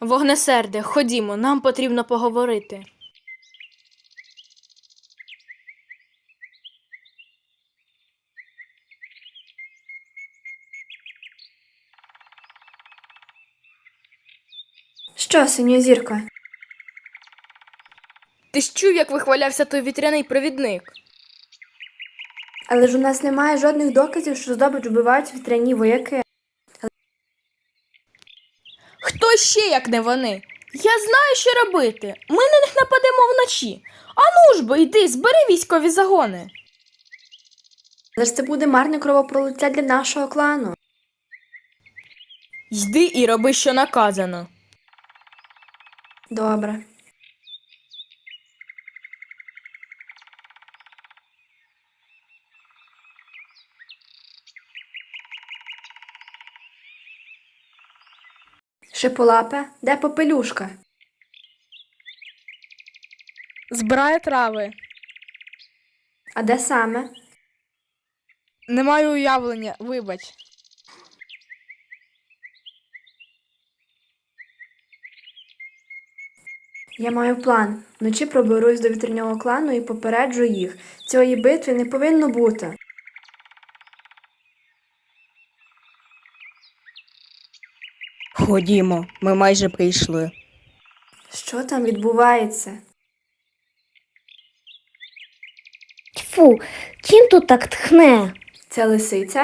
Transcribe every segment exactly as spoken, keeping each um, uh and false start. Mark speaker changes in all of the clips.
Speaker 1: Вогнесерде, ходімо, нам потрібно поговорити.
Speaker 2: Що, синьозірко?
Speaker 1: Ти ж чув, як вихвалявся той вітряний провідник?
Speaker 2: Але ж у нас немає жодних доказів, що здобич вбивають вітряні вояки.
Speaker 1: Хто ще, як не вони? Я знаю, що робити. Ми на них нападемо вночі. Ану ж бо, йди, збери військові загони.
Speaker 2: Але ж це буде марне кровопролиття для нашого клану.
Speaker 1: Йди і роби, що наказано.
Speaker 2: Добре. Шиполапе, де попелюшка?
Speaker 3: Збирає трави.
Speaker 2: А де саме?
Speaker 3: Не маю уявлення, вибач.
Speaker 2: Я маю план. Вночі проберусь до вітряного клану і попереджу їх. Цієї битви не повинно бути.
Speaker 4: Ходімо, ми майже прийшли.
Speaker 2: Що там відбувається?
Speaker 5: Тьфу, чим тут так тхне?
Speaker 2: Це лисиця?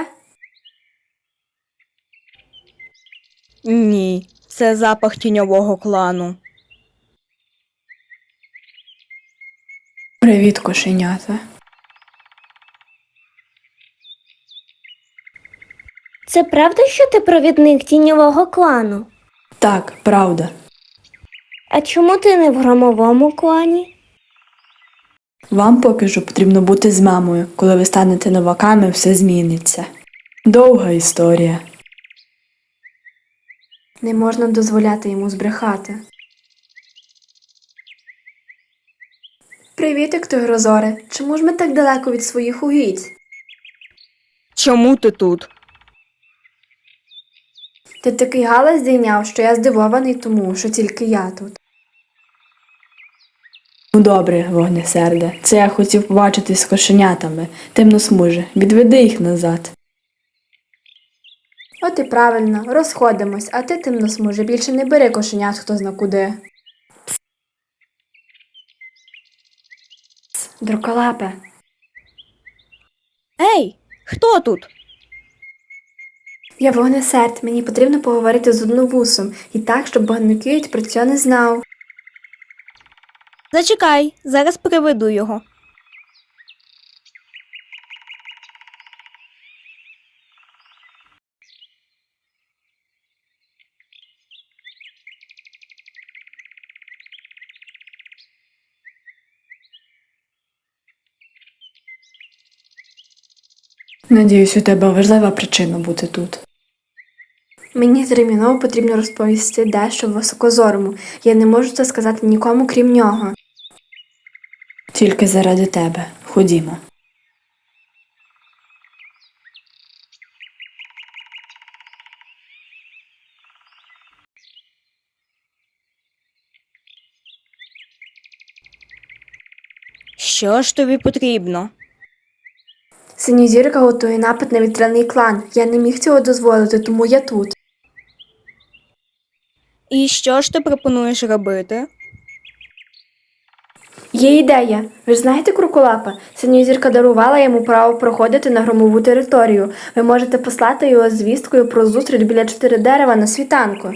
Speaker 4: Ні, це запах тіньового клану.
Speaker 2: Привіт, кошенята.
Speaker 5: Це правда, що ти провідник тіньового клану?
Speaker 2: Так, правда.
Speaker 5: А чому ти не в громовому клані?
Speaker 2: Вам поки що потрібно бути з мамою. Коли ви станете новаками, все зміниться. Довга історія. Не можна дозволяти йому збрехати. Привітик, Тигрозоре. Чому ж ми так далеко від своїх угідь?
Speaker 4: Чому ти тут?
Speaker 2: Ти такий галас здійняв, що я здивований тому, що тільки я тут. Ну добре, вогнесерде. Це я хотів побачитись з кошенятами. Темносмуже, відведи їх назад. От і правильно, розходимось, а ти, темносмуже, більше не бери кошенят хто зна куди. Дроколапе.
Speaker 4: Ей, хто тут?
Speaker 2: Я вогнесерд, мені потрібно поговорити з одновусом, і так, щоб Багнукіють про це не знав.
Speaker 4: Зачекай, зараз приведу його.
Speaker 2: Надіюсь, у тебе важлива причина бути тут. Мені терміново потрібно розповісти дещо високозорому. Я не можу це сказати нікому, крім нього. Тільки заради тебе. Ходімо.
Speaker 4: Що ж тобі потрібно?
Speaker 2: Синьозірка готує напад на вітряний клан. Я не міг цього дозволити, тому я тут.
Speaker 4: І що ж ти пропонуєш робити?
Speaker 2: Є ідея. Ви ж знаєте Круколапа? Синьозірка дарувала йому право проходити на громову територію. Ви можете послати його з звісткою про зустріч біля чотири дерева на світанку.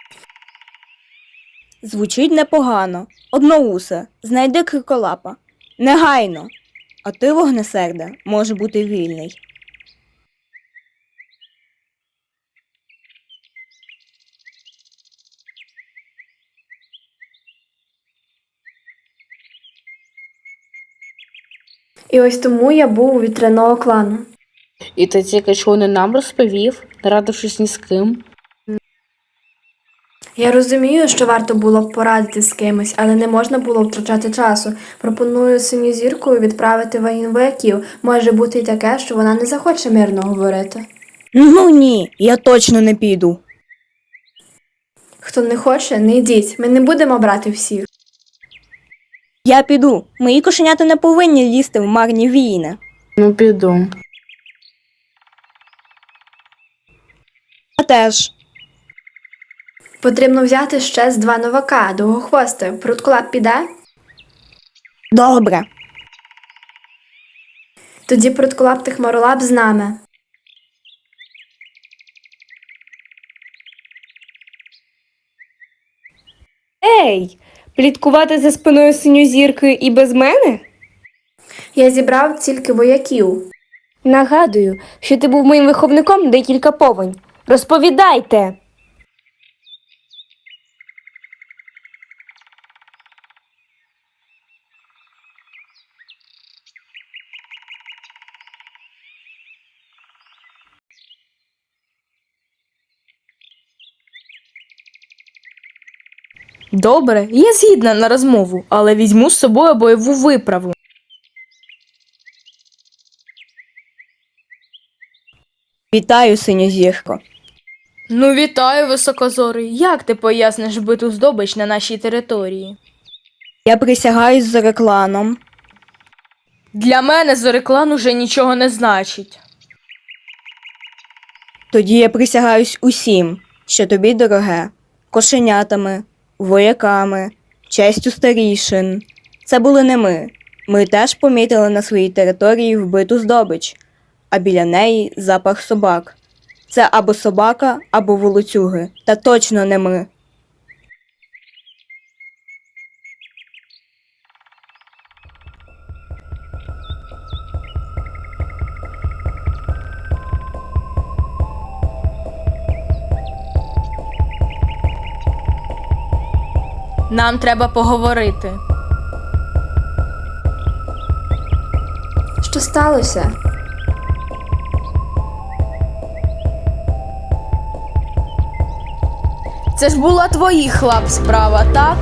Speaker 4: Звучить непогано. Одноусе, знайди криколапа. Негайно. А ти, вогнесерде, може бути вільний.
Speaker 2: І ось тому я був у вітряного клану.
Speaker 6: І ти тільки що не нам розповів, не радившись ні з ким.
Speaker 2: Я розумію, що варто було б порадити з кимось, але не можна було втрачати часу. Пропоную синьозіркою відправити воїн вояків. Може бути й таке, що вона не захоче мирно говорити.
Speaker 4: Ну ні, я точно не піду.
Speaker 2: Хто не хоче, не йдіть. Ми не будемо брати всіх.
Speaker 4: Я піду. Мої кошенята не повинні лізти в марні війни.
Speaker 6: Ну, піду.
Speaker 4: Я теж.
Speaker 2: Потрібно взяти ще з два новака, довгохвости. Прутколап піде?
Speaker 4: Добре.
Speaker 2: Тоді Прутколап та Хмаролап з нами.
Speaker 7: Ей, пліткувати за спиною синьозірки і без мене?
Speaker 2: Я зібрав тільки вояків.
Speaker 7: Нагадую, що ти був моїм виховником декілька повень. Розповідайте.
Speaker 1: Добре, я згідна на розмову, але візьму з собою бойову виправу.
Speaker 4: Вітаю, синьозірко.
Speaker 1: Ну, вітаю, високозорий. Як ти поясниш биту здобич на нашій території?
Speaker 4: Я присягаюсь за рекланом.
Speaker 1: Для мене Зореклан уже нічого не значить.
Speaker 4: Тоді я присягаюсь усім, що тобі дороге. Кошенятами, вояками, честю старішин. Це були не ми. Ми теж помітили на своїй території вбиту здобич, а біля неї запах собак. Це або собака, або волоцюги. Та точно не ми.
Speaker 1: Нам треба поговорити.
Speaker 2: Що сталося?
Speaker 1: Це ж була твоїх лап справа, так?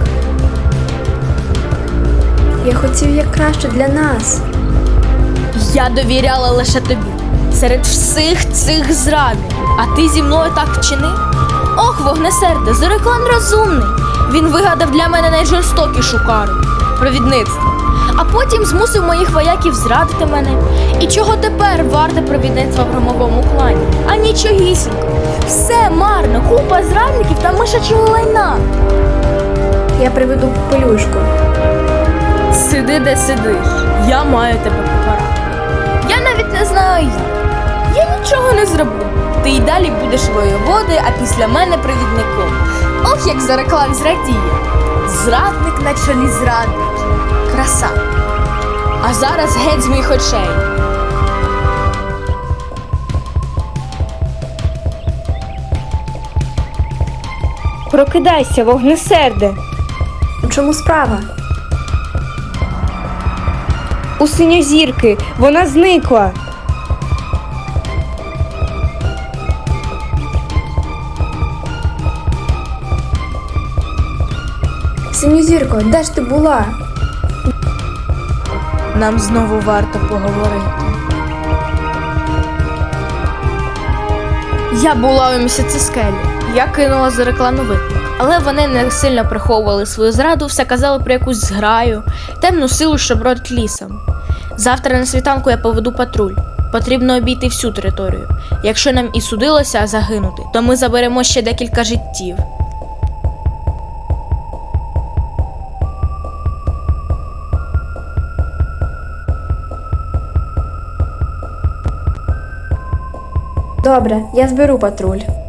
Speaker 2: Я хотів як краще для нас.
Speaker 1: Я довіряла лише тобі. Серед всіх цих зрадників. А ти зі мною так вчинив? Ох, вогнесерде, Зореклан розумний. Він вигадав для мене найжорстокішу кару – провідництво. А потім змусив моїх вояків зрадити мене. І чого тепер варте провідництво в громовому клані? А нічогісінько. Все марно, купа зрадників та мишачого лайна.
Speaker 2: Я приведу пелюшку.
Speaker 1: Сиди, де сидиш. Я маю тебе покарати. Я навіть не знаю як. Я нічого не зроблю. Ти й далі будеш воєводою, а після мене провідником. Ох, як Зореклан зрадіє. Зрадник на чолі зрадників. Краса. А зараз геть з моїх очей.
Speaker 7: Прокидайся, вогнесерде.
Speaker 2: У чому справа?
Speaker 7: У синьозірки. Вона зникла.
Speaker 2: Синьозірко, де ж ти була?
Speaker 1: Нам знову варто поговорити. Я була у місяцескелі. Я кинула Зореклану виклик. Але вони не сильно приховували свою зраду, все казали про якусь зграю, темну силу, що бродить лісом. Завтра на світанку я поведу патруль. Потрібно обійти всю територію. Якщо нам і судилося загинути, то ми заберемо ще декілька життів.
Speaker 2: Добре, я зберу патруль.